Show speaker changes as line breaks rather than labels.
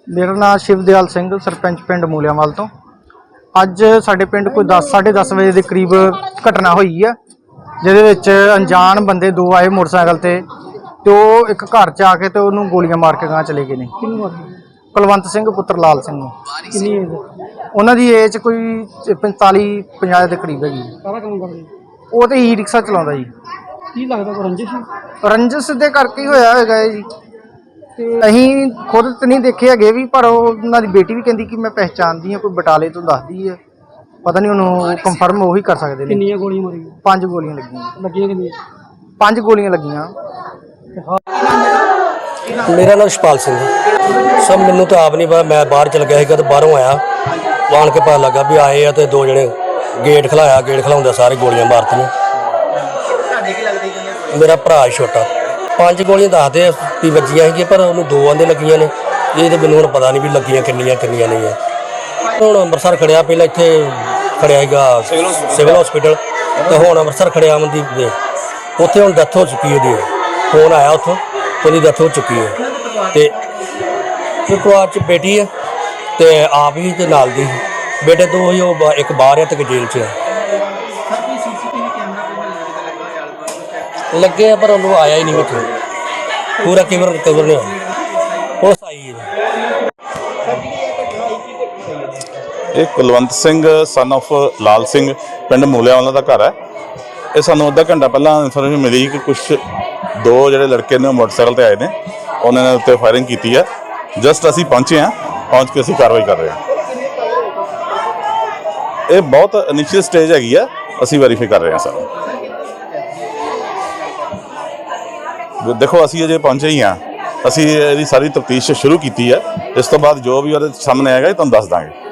मेरा नाम शिवदयाल सिंह सरपंच पिंड मूलियावाल तो। अज साडे पिंड कोई 10-10:30 बजे के करीब घटना हुई है जिहदे अनजान बंदे दो आए मोटरसाइकिल ते तो एक घर च आके तो उन्होंने गोलियां मार के गांह चले गए ने। कुलवंत सिंह पुत्र लाल सिंह। उन्हों की एज कोई 45-50 के करीब हैगी। वो तो ई रिक्शा चलाता जी।
की लगता
रंजिश दे करके होया है जी। अहीं खुद तो नहीं देखे है भी, पर उन्होंने बेटी भी कहती कि मैं पहचानती हाँ, कोई बटाले तो दसदी है, पता नहीं उन्होंने कंफर्म वही कर सकते हैं।
कितनी गोलियां मारी?
5 गोलियां लगी। 5 गोलियां लगियां।
मेरा नाम शपाल सिंह सब मैनू तो आप नहीं पता। मैं बाहर चल गया तो बाहरों आया आन के पता लगा भी आए हैं तो 2 जने गेट खिलाया। गेट खिलाउंदे सारे गोलियां मारतियां। मेरा भरा छोटा 5 गोलियां दसदे भी वजियां ही, पर उन्होंने 2 आंदे लगियां ने। ये तो मैनू हुण पता नहीं भी लगियां किन्नियां नहीं है। हुण अंमृतसर खड़िया, पहले इत्थे खड़िया सिविल हॉस्पिटल, तो हुण अंमृतसर खड़िया अमनदीप दे उत्थे हुण डैथ हो चुकी है। फोन आया उत्थों तो डैथ हो चुकी है। तो एक परिवार च बेटी है तो आप ही तो नाल दी बेटे 2 ही, एक बाहर है तो एक जेल च है। लगे पर उन्होंने आया ही नहीं मिठू पूरा कवर नहीं हो आई है।
ये कुलवंत सिंह सन ऑफ लाल सिंह पिंड मूलियावाला का घर है। ये सानू अद्धा घंटा पहला इन्फॉर्मेशन मिली कि कुछ 2 जो लड़के ने मोटरसाइकिल पर आए ने, उन्होंने उत्ते फायरिंग की है। जस्ट असी पहुँचे हैं, पहुँच के असी कार्रवाई कर रहे हैं। ये बहुत इनिशियल स्टेज हैगी है, असी वेरीफाई कर रहे हैं सर। देखो असी अजे पहुँचे ही हाँ, असी सारी तफ्तीश शुरू की है। इस तो बाद जो भी वो सामने आएगा तुहानूं दस देंगे।